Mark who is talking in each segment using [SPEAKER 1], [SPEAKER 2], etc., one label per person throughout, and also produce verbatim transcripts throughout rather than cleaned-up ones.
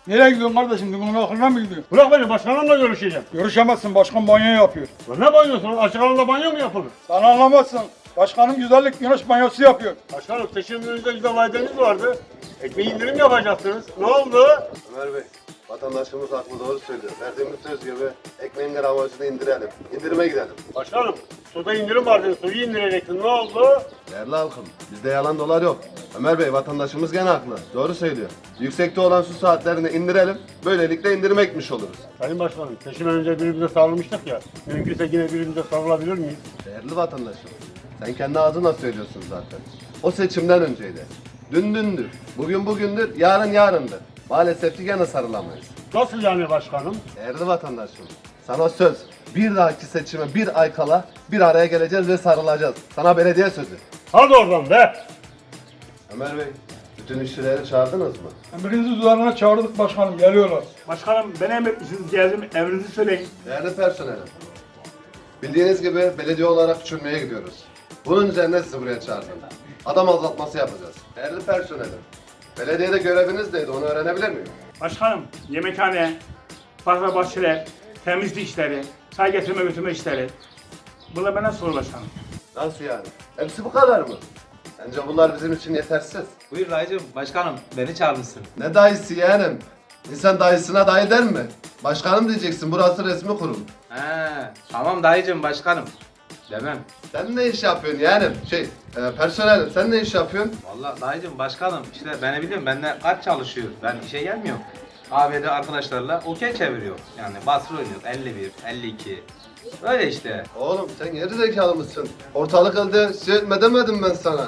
[SPEAKER 1] Nereye gidiyorsun kardeşim? Bunun aklına mı gidiyorsun?
[SPEAKER 2] Bırak beni, başkanımla görüşeceğim.
[SPEAKER 1] Görüşemezsin, başkan banyo yapıyor.
[SPEAKER 2] Lan ne banyosun? Açık alanda banyo mu yapılır?
[SPEAKER 1] Sen anlamazsın. Başkanım güzellik güneş banyosu yapıyor.
[SPEAKER 2] Başkanım seçim önünüzde güzel vaadiniz vardı. Ekmeği indirim yapacaksınız. Ne oldu?
[SPEAKER 3] Ömer Bey, vatandaşımız haklı, doğru söylüyor. Verdiğimiz söz gibi ekmeğin gramajını indirelim. İndirime gidelim.
[SPEAKER 2] Başkanım suda indirim vardı. Suyu indirecektin. Ne oldu?
[SPEAKER 3] Değerli halkım, bizde yalan dolar yok. Ömer Bey, vatandaşımız gene haklı. Doğru söylüyor. Yüksekte olan su saatlerini indirelim. Böylelikle indirime gitmiş oluruz.
[SPEAKER 2] Sayın Başkanım seçim önce birbirimize sarılmıştık ya. Mümkünse yine birbirimize sarılabilir miyiz?
[SPEAKER 3] Değerli vatandaşım, sen kendi ağzınla söylüyorsun zaten. O seçimden önceydi. Dün dündür, bugün bugündür, yarın yarındır. Maalesef ki gene sarılamayız.
[SPEAKER 2] Nasıl yani başkanım?
[SPEAKER 3] Değerli vatandaşım, sana söz. Bir dahaki seçime bir ay kala bir araya geleceğiz ve sarılacağız. Sana belediye sözü.
[SPEAKER 2] Hadi oradan be!
[SPEAKER 3] Ömer Bey, bütün işçileri çağırdınız mı?
[SPEAKER 1] Emrinizi üzerine çağırdık başkanım, geliyorlar.
[SPEAKER 4] Başkanım ben emretmişsiniz geldim emrinizi söyleyin.
[SPEAKER 3] Değerli personelim, bildiğiniz gibi belediye olarak küçülmeye gidiyoruz. Bunun üzerine sizi buraya çağırdım. Adam azaltması yapacağız. Değerli personelim, belediyede göreviniz neydi, onu öğrenebilir miyim?
[SPEAKER 4] Başkanım yemekhane, park ve bahçeler, temizlik işleri, çay getirme götürme işleri. Bunlar bana soru başkanım.
[SPEAKER 3] Nasıl yani? Hepsi bu kadar mı? Bence bunlar bizim için yetersiz.
[SPEAKER 5] Buyur dayıcım, başkanım beni çağırmışsın.
[SPEAKER 3] Ne dayısı yeğenim? İnsan dayısına dayı der mi? Başkanım diyeceksin, burası resmi kurum.
[SPEAKER 5] He, tamam dayıcım başkanım. Demem.
[SPEAKER 3] Sen ne iş yapıyorsun yeğenim? Şey, e, personelim, sen ne iş yapıyorsun?
[SPEAKER 5] Vallahi dayıcım başkanım işte beni biliyorum bende kaç çalışıyor. Ben işe gelmiyorum. Kahvede arkadaşlarla okey çeviriyor. Yani basır oynuyor. elli bir, elli iki. Öyle işte.
[SPEAKER 3] Oğlum sen geri zekalı mısın? Ortalık elde şey etme demedim ben sana.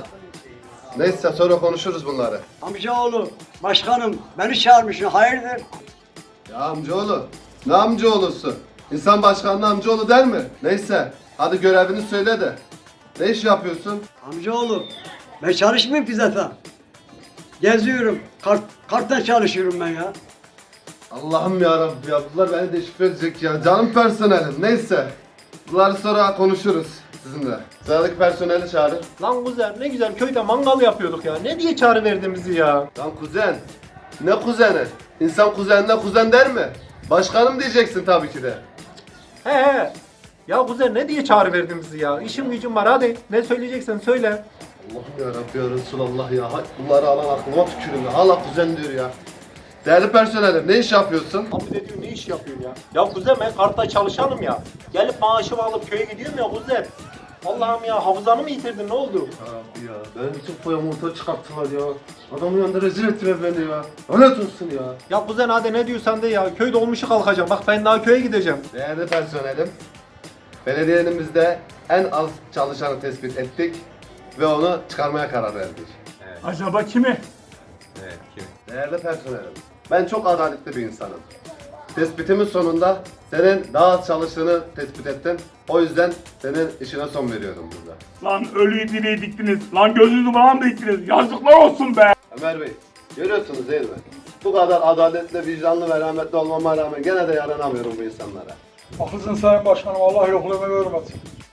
[SPEAKER 3] Neyse sonra konuşuruz bunları.
[SPEAKER 6] Amcaoğlu, başkanım beni çağırmışsın, hayırdır?
[SPEAKER 3] Ya amcaoğlu, ne amcaoğlusu? İnsan başkanına amcaoğlu der mi? Neyse, hadi görevini söyle de. Ne iş yapıyorsun?
[SPEAKER 6] Amcaoğlu, ben çalışmıyorum ki zaten. Geziyorum, kart, karttan çalışıyorum ben ya.
[SPEAKER 3] Allah'ım ya Rabbi ya, bunlar beni deşifre edecek ya. Canım personelim, neyse. Bunları sonra konuşuruz sizinle. Sıradaki personeli çağırın.
[SPEAKER 7] Lan kuzen ne güzel köyde mangal yapıyorduk ya. Ne diye çağrı verdin bizi ya?
[SPEAKER 3] Lan kuzen, ne kuzeni? İnsan kuzenine kuzen der mi? Başkanım diyeceksin tabii ki de.
[SPEAKER 7] He he. Ya kuzen ne diye çağrı verdin bizi ya? İşim gücüm var hadi. Ne söyleyeceksen söyle.
[SPEAKER 3] Allah'ım ya Rabbi ya Resulallah ya. Hay bunları alan aklıma tükürün ya. Hala kuzen diyor ya. Değerli personelim, ne iş yapıyorsun?
[SPEAKER 7] Abi de diyor ne iş yapıyorsun ya? Ya kuzen ben kartta çalışanım ya. Gelip maaşımı alıp köye gidiyorum ya kuzen. Allah'ım ya hafızanı mı yitirdin ne oldu?
[SPEAKER 3] Ya Rabbi ya, ben bütün foyamı ortaya çıkarttılar ya. Adamın yanında rezil ettiler beni ya. Lanet olsun ya.
[SPEAKER 7] Ya kuzen hadi ne diyorsan de ya. Köy dolmuşu kalkacağım. Bak ben daha köye gideceğim.
[SPEAKER 3] Değerli personelim, belediyenimizde en az çalışanı tespit ettik ve onu çıkarmaya karar verdik.
[SPEAKER 4] Acaba kimi?
[SPEAKER 5] Evet, kim?
[SPEAKER 3] Değerli personelim, ben çok adaletli bir insanım. Tespitimin sonunda senin daha az çalıştığını tespit ettim. O yüzden senin işine son veriyorum burada.
[SPEAKER 4] Lan ölüyü diriyi diktiniz. Lan gözünüzü bana mı diktiniz? Yazıklar olsun be.
[SPEAKER 3] Ömer Bey, görüyorsunuz değil mi? Bu kadar adaletli, vicdanlı ve rahmetli olmama rağmen gene de yaranamıyorum bu insanlara.
[SPEAKER 1] Haklısın sayın başkanım, Allah yokluğumu görmesin.